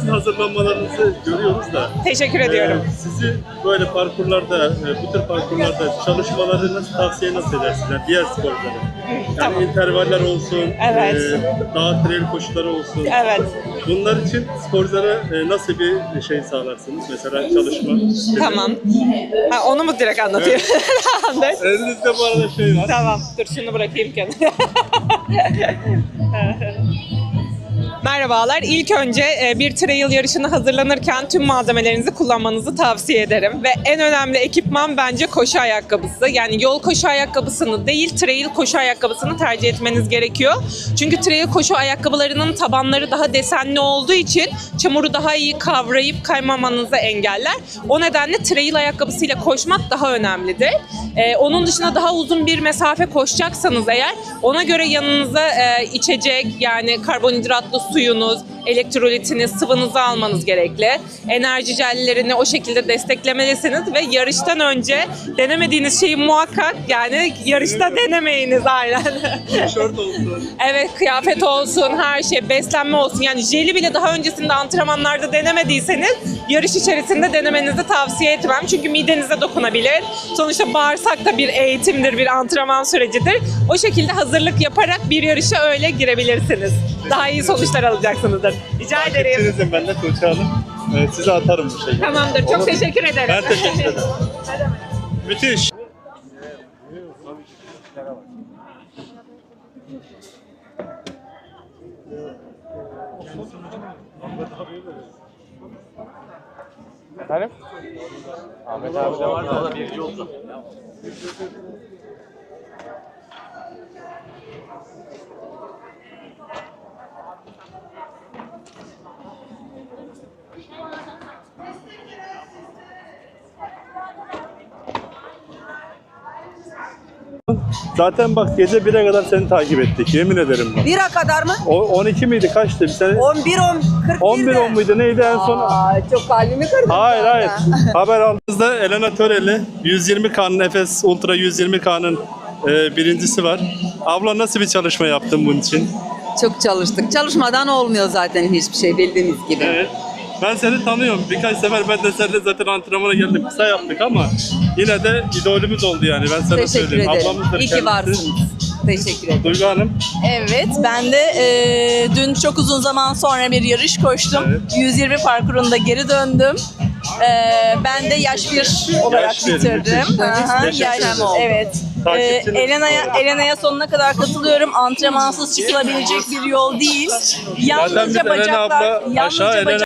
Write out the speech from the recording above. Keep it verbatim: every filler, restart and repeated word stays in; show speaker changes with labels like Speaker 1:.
Speaker 1: sizin hazırlanmalarınızı görüyoruz da.
Speaker 2: Teşekkür ediyorum.
Speaker 1: E, sizi böyle parkurlarda, e, bu tür parkurlarda çalışmaları nasıl tavsiye nasıl edersiniz? Yani diğer sporculara. Yani
Speaker 2: Tamam.
Speaker 1: intervaller olsun,
Speaker 2: Evet.
Speaker 1: e, dağ trail koşuları olsun.
Speaker 2: Evet.
Speaker 1: Bunlar için sporculara e, nasıl bir şey sağlarsınız? Mesela çalışma.
Speaker 2: Tamam. Ha, onu mu direkt anlatayım? Evet.
Speaker 1: Elinizde bu arada şey var.
Speaker 2: Tamam. Dur şunu bırakayım kenara. Merhabalar. İlk önce bir trail yarışına hazırlanırken tüm malzemelerinizi kullanmanızı tavsiye ederim. Ve en önemli ekipman bence koşu ayakkabısı. Yani yol koşu ayakkabısını değil, trail koşu ayakkabısını tercih etmeniz gerekiyor. Çünkü trail koşu ayakkabılarının tabanları daha desenli olduğu için çamuru daha iyi kavrayıp kaymamanızı engeller. O nedenle trail ayakkabısıyla koşmak daha önemlidir. Ee, onun dışında daha uzun bir mesafe koşacaksanız eğer, ona göre yanınıza e, içecek, yani karbonhidratlı suyunuz, elektrolitiniz, sıvınızı almanız gerekli. Enerji jellerini o şekilde desteklemelisiniz ve yarıştan önce denemediğiniz şeyi muhakkak, yani yarışta denemeyiniz aynen.
Speaker 1: Tişört olsun.
Speaker 2: Evet, kıyafet olsun, her şey, beslenme olsun. Yani jeli bile daha öncesinde antrenmanlarda denemediyseniz yarış içerisinde denemenizi tavsiye etmem. Çünkü midenize dokunabilir. Sonuçta bağırsak da bir eğitimdir, bir antrenman sürecidir. O şekilde hazırlık yaparak bir yarışa öyle girebilirsiniz. Daha iyi sonuçlar alacaksınızdır. Rica ederim.
Speaker 1: Takipçinizim ben de Tuğçe Hanım. Ee, size atarım bu şeyi.
Speaker 2: Tamamdır. Çok
Speaker 1: Olur.
Speaker 2: teşekkür ederim.
Speaker 1: Ben teşekkür ederim. Müthiş.
Speaker 3: Efendim? Ahmet abi de var da o da birinci oldu.
Speaker 1: Zaten bak gece bire kadar seni takip ettik. Yemin ederim bak.
Speaker 4: Bira kadar mı?
Speaker 1: O, on iki miydi? Kaçtı? Bir sene...
Speaker 4: on bir, on, kırk bir
Speaker 1: on bir on muydu? Neydi en son?
Speaker 4: Aa, çok kalbimi kırdın.
Speaker 1: Hayır
Speaker 4: şu anda.
Speaker 1: hayır. Haber aldığımızda Elena Töreli yüz yirmi K'nın Efes Ultra yüz yirmi K'nın e, birincisi var. Abla nasıl bir çalışma yaptın bunun için?
Speaker 4: Çok çalıştık. Çalışmadan olmuyor zaten hiçbir şey bildiğiniz gibi.
Speaker 1: Evet. Ben seni tanıyorum. Birkaç sefer ben de seninle zaten antrenmana geldim. Kısa yaptık ama yine de idolümüz oldu yani. Ben sana
Speaker 4: Teşekkür
Speaker 1: söyleyeyim.
Speaker 4: ederim.
Speaker 1: Ablamızdır
Speaker 4: İyi ki
Speaker 1: kendisi.
Speaker 4: varsınız. Teşekkür ederim.
Speaker 1: Duygu Hanım.
Speaker 5: Evet, ben de e, dün çok uzun zaman sonra bir yarış koştum.
Speaker 1: Evet.
Speaker 5: yüz yirmi parkurunda geri döndüm. E, ben de yaş bir olarak
Speaker 1: Yaş bir,
Speaker 5: bitirdim.
Speaker 1: müthiş.
Speaker 5: Aha,
Speaker 1: Teşekkür
Speaker 5: yaş,
Speaker 1: ederim.
Speaker 5: evet. E,
Speaker 1: Takipçiniz.
Speaker 5: Elena'ya Elena'ya sonuna kadar katılıyorum. Antrenmansız çıkılabilecek bir yol değil.
Speaker 1: Zaten biz
Speaker 5: Yalnızca
Speaker 1: Elena abla
Speaker 5: bacaklar,
Speaker 1: aşağı
Speaker 5: yalnızca
Speaker 1: Elena